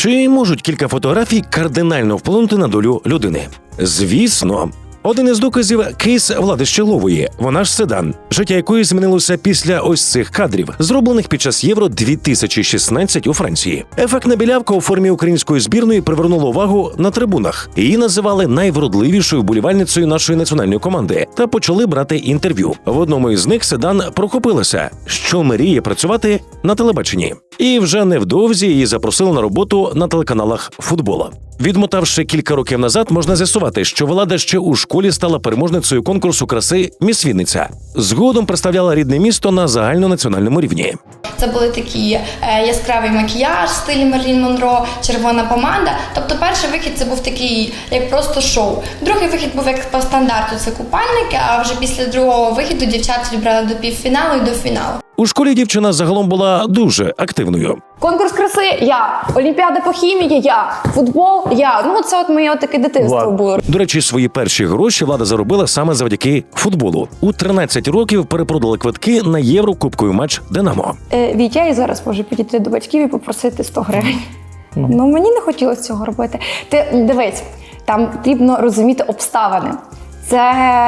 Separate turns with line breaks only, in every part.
Чи можуть кілька фотографій кардинально вплинути на долю людини? Звісно. Один із доказів – кейс Влади Щеглової. Вона ж седан, життя якої змінилося після ось цих кадрів, зроблених під час Євро-2016 у Франції. Ефектна білявка у формі української збірної привернула увагу на трибунах. Її називали найвродливішою вболівальницею нашої національної команди та почали брати інтерв'ю. В одному із них седан прохопилася, що мріє працювати на телебаченні. І вже невдовзі її запросили на роботу на телеканалах футболу. Відмотавши кілька років назад, можна з'ясувати, що Влада ще у школі стала переможницею конкурсу краси «Міс Вінниця». Згодом представляла рідне місто на загальнонаціональному рівні.
Це були такі яскравий макіяж в стилі Мерлін Монро, червона помада. Тобто перший вихід це був такий, як просто шоу. Другий вихід був як по стандарту, це купальники, а вже після другого вихіду дівчат відбрали до півфіналу і до фіналу.
У школі дівчина загалом була дуже активною.
Конкурс краси – я. Олімпіада по хімії – я. Футбол – я. Ну, це от моє таке дитинство було.
До речі, свої перші гроші Влада заробила саме завдяки футболу. У 13 років перепродали квитки на Єврокубковий матч «Динамо».
Вітя і зараз може підійти до батьків і попросити 100 гривень. Ну, мені не хотілося цього робити. Ти дивись, там потрібно розуміти обставини. Це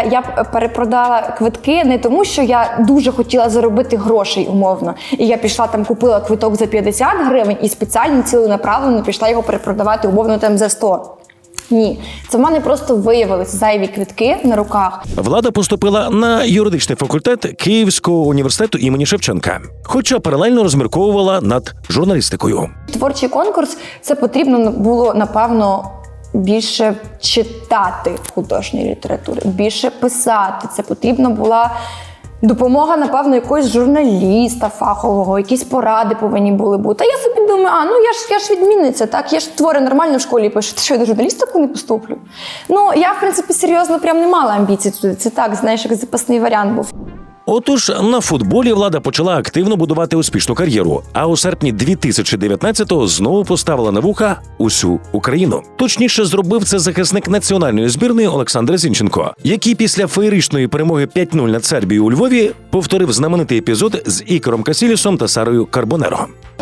я перепродала квитки не тому, що я дуже хотіла заробити грошей умовно. І я пішла там, купила квиток за 50 гривень і спеціально ціленаправленно пішла його перепродавати умовно там за 100. Ні, це в мене просто виявилися зайві квитки на руках.
Влада поступила на юридичний факультет Київського університету імені Шевченка, хоча паралельно розмірковувала над журналістикою.
Творчий конкурс – це потрібно було, напевно, більше читати художньої літератури, більше писати. Це потрібна була допомога, напевно, якогось журналіста фахового, якісь поради повинні були бути. А я собі думаю, я ж відмінниця, так? Я ж твори нормально в школі пишу. Що, я до журналістику не поступлю? Ну, я, в принципі, серйозно прям не мала амбіцій туди. Це так, знаєш, як запасний варіант був.
Отож, на футболі Влада почала активно будувати успішну кар'єру, а у серпні 2019-го знову поставила на вуха усю Україну. Точніше, зробив це захисник національної збірної Олександр Зінченко, який після феєричної перемоги 5-0 над Сербією у Львові повторив знаменитий епізод з Ікором Касілісом та Сарою Карбонеро.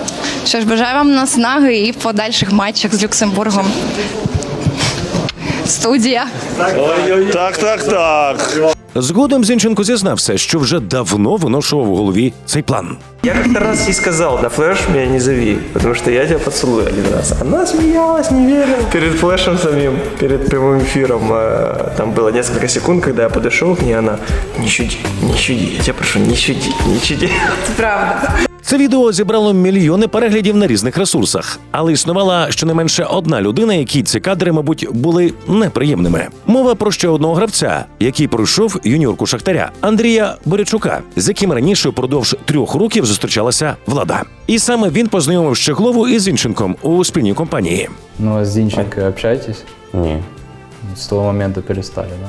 Що ж, бажаю вам наснаги і в подальших матчах з Люксембургом. Студія.
Так.
Згодом Зінченко зізнався, що вже давно виношував у голові цей план.
Я как-то раз ей сказал, да флеш меня не зови, потому что я тебя поцелую один раз. Она смеялась, не верила. Перед флешем самим, перед прямым эфиром, там было несколько секунд, когда я подошел к ней, она: не щуди, я тебя прошу, не щуди.
Правда.
Це відео зібрало мільйони переглядів на різних ресурсах, але існувала щонайменше одна людина, якій ці кадри, мабуть, були неприємними. Мова про ще одного гравця, який пройшов юніорку Шахтаря – Андрія Борячука, з яким раніше впродовж 3 років зустрічалася Влада. І саме він познайомив Щеглову із Зінченком у спільній компанії.
Ну, а с Зинченко общаетесь?
Не.
С того момента перестали, да?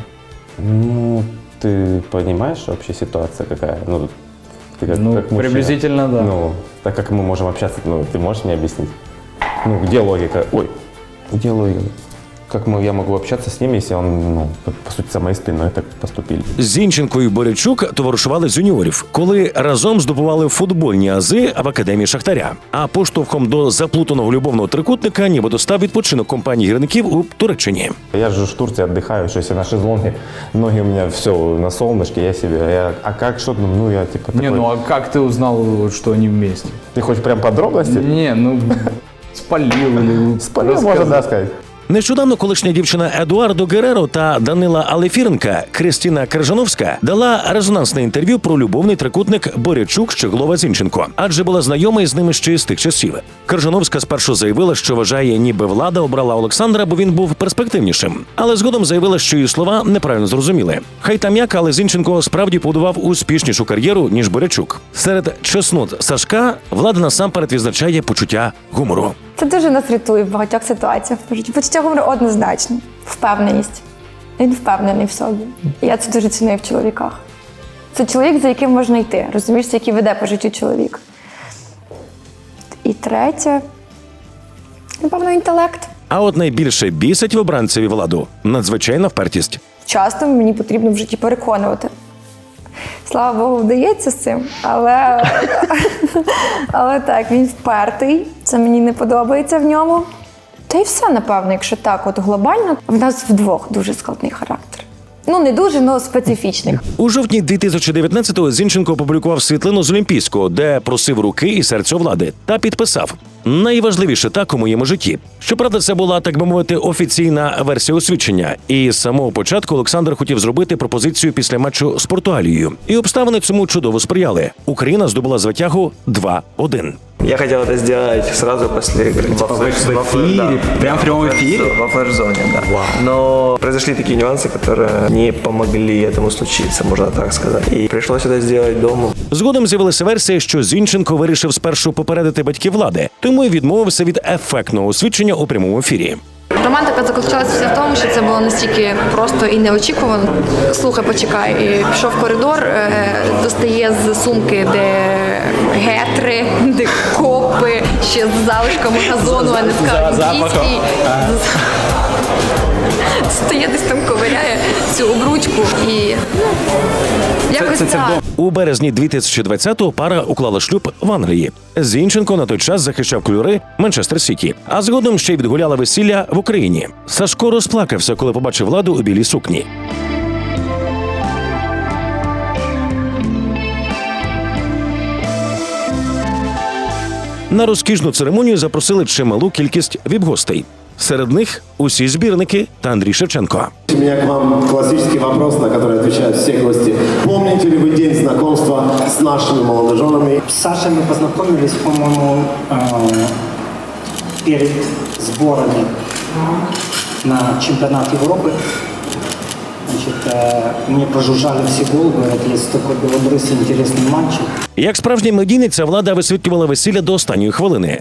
Ну, ты понимаешь вообще ситуация какая? Ну, ты как мужчина.
Приблизительно, да.
Ну, так как мы можем общаться, ну, ты можешь мне объяснить? Ну, где логика? Ой, где логика? Как я могу общаться с ним, если он, ну, по суті, за моєю спиною так поступили?
Зінченко і Борячук товаришували з юніорів, коли разом здобували футбольні ази в академії Шахтаря. А поштовхом до заплутаного любовного трикутника нібито став відпочинок компанії гірників у Туреччині.
Я же в Турции отдыхаю, что если на шезлонге, ноги у меня все на солнышке, я себе, а как, что, ну, я типа такой...
Не, ну а как ты узнал, что они вместе?
Ты хочешь прям подробности?
Не, ну, спалил или...
Спалил, можно, да, сказать.
Нещодавно колишня дівчина Едуардо Гереро та Данила Алефіренка Кристина Крижановська дала резонансне інтерв'ю про любовний трикутник Борячук-Щеглова-Зінченко, адже була знайома із ними ще з тих часів. Крижановська спершу заявила, що вважає, ніби Влада обрала Олександра, бо він був перспективнішим. Але згодом заявила, що її слова неправильно зрозуміли. Хай там як, але Зінченко справді побудував успішнішу кар'єру, ніж Борячук. Серед чеснот Сашка Влада насамперед відзначає почуття гумору.
Це дуже нас рятує в багатьох ситуаціях. Почуття гумору однозначно. Впевненість. Він впевнений в собі. І я це дуже ціную в чоловіках. Це чоловік, за яким можна йти. Розумієш, який веде по життю чоловік. І третє, напевно, інтелект.
А от найбільше бісить в обранцеві Владу – надзвичайна впертість.
Часто мені потрібно в житті переконувати. Слава Богу, вдається з цим, але так, він впертий, це мені не подобається в ньому. Та й все, напевно, якщо так, от глобально, в нас вдвох дуже складний характер. Ну, не дуже, але специфічний.
У жовтні 2019-го Зінченко опублікував світлину з Олімпійського, де просив руки і серця влади, та підписав «Найважливіше так у моєму житті». Щоправда, це була, так би мовити, офіційна версія освідчення. І з самого початку Олександр хотів зробити пропозицію після матчу з Португалією. І обставини цьому чудово сприяли. Україна здобула звитягу 2-1.
Я хотел это сделать сразу после игры.
в эфире? Прям в прямом эфире?
Во флеш-зоне, да. Но произошли такие нюансы, которые не помогли этому случиться, можно так сказать. И пришлось это сделать дома.
Згодом з'явилася версія, що Зінченко вирішив спершу попередити батьків влади, тому й відмовився від ефектного освідчення у прямому ефірі.
Романтика заключалася вся в тому, що це було настільки просто і неочікувано. Слухай, почекай, і пішов в коридор, достає з сумки, де гетри, де копи, ще з залишками газону, а не скажу, дійський. Стає десь там, ковиряє цю обручку і якось так.
У березні 2020-го пара уклала шлюб в Англії. Зінченко на той час захищав кольори Манчестер Сіті, а згодом ще й відгуляла весілля в Україні. Сашко розплакався, коли побачив владу у білій сукні. На розкішну церемонію запросили чималу кількість віп-гостей. Серед них усі збірники та Андрій Шевченко.
У меня к вам классический вопрос, на который отвечают все гости. Помните ли вы день знакомства с нашими молодоженами?
С Сашей мы познакомились, по-моему, перед сборами на чемпионат Европы. Значит, мне прожужжали все головы, говорят, есть такой белобрысый интересный мальчик.
Як справжня медійниця, влада висвітлювала весілля до останньої хвилини.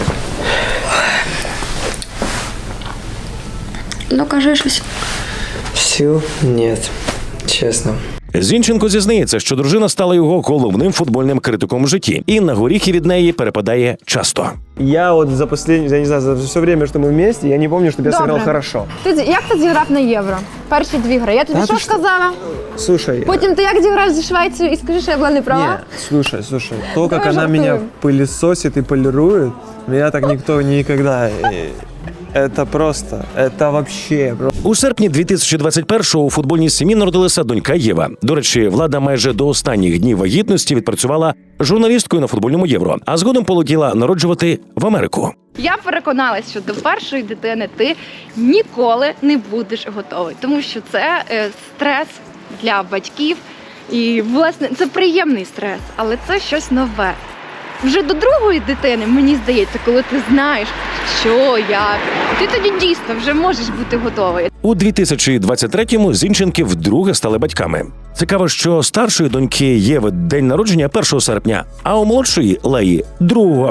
Ну, кажи щось.
Сил нет, честно.
Зінченко зізнається, що дружина стала його головним футбольним критиком в житті, і на горіхи від неї перепадає часто.
Я вот за последнее, я не знаю, за все время, что мы вместе, я не помню, чтобы я
Добре.
сыграл хорошо.
Як ти зіграв на Євро? Перші 2 гри. Я тобі що сказала?
Слушай,
Потім ти як зіграв зі Швецією і скажи, що я була не права?
слушай, то, как
Давай
она меня
жартуем.
пылесосит и полирует, меня так никто никогда... Это просто, это вообще...
У серпні 2021-го у футбольній сім'ї народилася донька Єва. До речі, влада майже до останніх днів вагітності відпрацювала журналісткою на футбольному Євро, а згодом полетіла народжувати в Америку.
Я переконалась, що до першої дитини ти ніколи не будеш готовий, тому що це стрес для батьків. І, власне, це приємний стрес, але це щось нове. Вже до другої дитини, мені здається, коли ти знаєш, що, як, ти тоді дійсно вже можеш бути готовий.
У 2023-му Зінченки вдруге стали батьками. Цікаво, що старшої доньки Єви день народження 1 серпня, а у молодшої Леї – 2-го.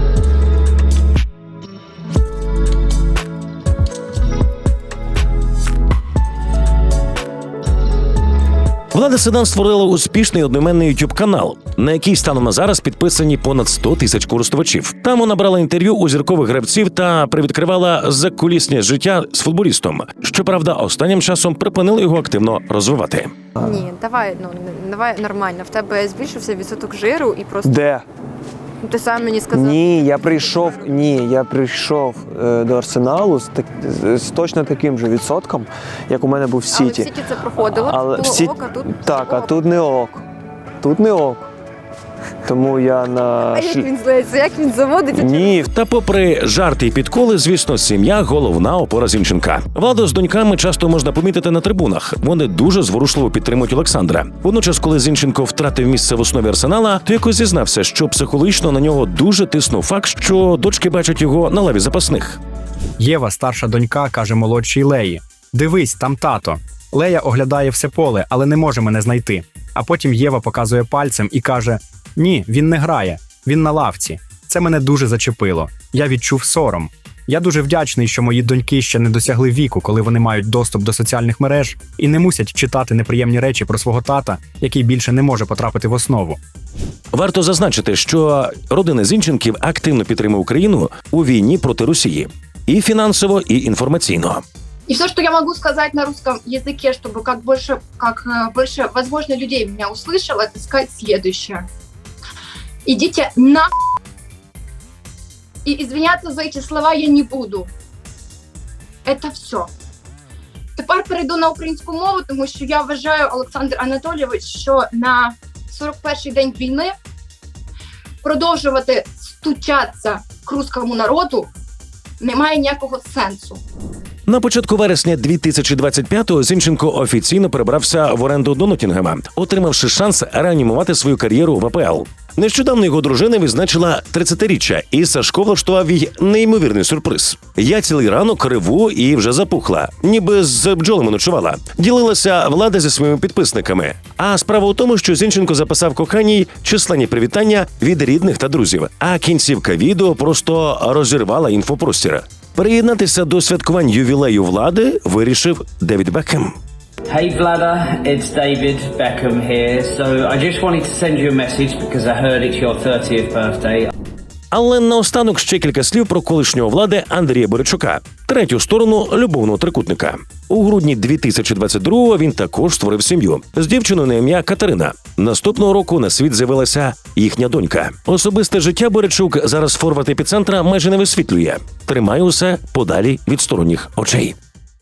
Влада Седан створила успішний одноіменний YouTube-канал, на який станом на зараз підписані понад 100 тисяч користувачів. Там вона брала інтерв'ю у зіркових гравців та привідкривала закулісне життя з футболістом. Щоправда, останнім часом припинили його активно розвивати.
Ні, давай нормально. В тебе збільшився відсоток жиру і просто...
Де?
Ти сам мені сказав.
Ні, я прийшов до Арсеналу з точно таким же відсотком, як у мене був в
Але в
Сіті.
Сіті це проходило,
Але
було
в Сіті...
ок, а тут
Так, а
ок.
тут не ок. Тут не ок. Тому я на...
А як він злиться, як він заводить?
Ні,
Та попри жарти і підколи, звісно, сім'я – головна опора Зінченка. Владу з доньками часто можна помітити на трибунах. Вони дуже зворушливо підтримують Олександра. Водночас, коли Зінченко втратив місце в основі Арсенала, то якось зізнався, що психологічно на нього дуже тиснув факт, що дочки бачать його на лаві запасних.
Єва, старша донька, каже молодшій Леї: «Дивись, там тато». Лея оглядає все поле, але не може мене знайти. А потім Єва показує пальцем і каже: «Ні, він не грає, він на лавці». Це мене дуже зачепило. Я відчув сором. Я дуже вдячний, що мої доньки ще не досягли віку, коли вони мають доступ до соціальних мереж і не мусять читати неприємні речі про свого тата, який більше не може потрапити в основу.
Варто зазначити, що родина Зінченків активно підтримує Україну у війні проти Росії. І фінансово, і інформаційно.
И все, что я могу сказать на русском языке, чтобы как больше, возможно, людей меня услышало, это сказать следующее. Идите на... И извиняться за эти слова я не буду. Это все. Тепер перейду на українську мову, тому що я вважаю, Олександр Анатолійович, що на 41-й день війни продовжувати стучатися к руському народу немає ніякого сенсу.
На початку вересня 2025-го Зінченко офіційно перебрався в оренду до Ноттінгема, отримавши шанс реанімувати свою кар'єру в АПЛ. Нещодавно його дружина відзначила 30-річчя, і Сашко влаштував їй неймовірний сюрприз. Я цілий ранок реву і вже запухла, ніби з бджолами ночувала. Ділилася Влада зі своїми підписниками. А справа у тому, що Зінченко записав коханій численні привітання від рідних та друзів, а кінцівка відео просто розірвала інфопростір. Приєднатися до святкувань ювілею Влади вирішив Девід Бекхем.
Hey Vlada, it's David Beckham here. So I just wanted to send you a message because I heard it's your 30th birthday.
Але наостанок ще кілька слів про колишнього Влади Андрія Боричука, третю сторону любовного трикутника. У грудні 2022-го він також створив сім'ю з дівчиною на ім'я Катерина. Наступного року на світ з'явилася їхня донька. Особисте життя Боричук зараз форвард епіцентра майже не висвітлює. Тримає усе подалі від сторонніх очей.